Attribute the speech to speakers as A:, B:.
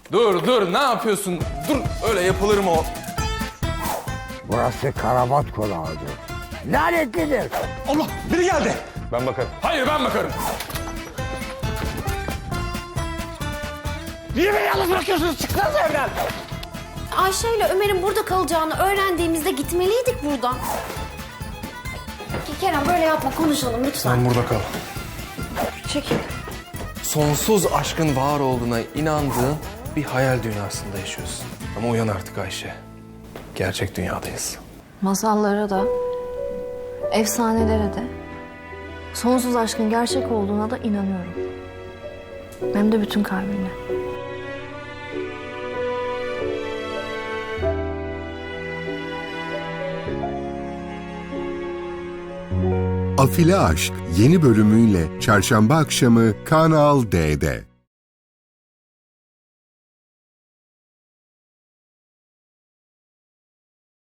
A: Dur, ne yapıyorsun? Dur, öyle yapılır mı o?
B: Burası karabat konağıdır. Lanetlidir.
A: Allah, biri geldi.
C: Ben bakarım.
A: Hayır, ben bakarım.
B: Niye beni yalnız bırakıyorsunuz? Çıksanız evden.
D: Ayşe ile Ömer'in burada kalacağını öğrendiğimizde gitmeliydik buradan. Kerem böyle yapma, konuşalım lütfen.
A: Sen burada kal.
D: Çekil.
A: Sonsuz aşkın var olduğuna inandığın bir hayal dünyasında yaşıyorsun. Ama uyan artık Ayşe. Gerçek dünyadayız.
E: Masallara da, efsanelere de, sonsuz aşkın gerçek olduğuna da inanıyorum. Hem de bütün kalbimle.
F: Afili Aşk yeni bölümüyle Çarşamba akşamı Kanal D'de.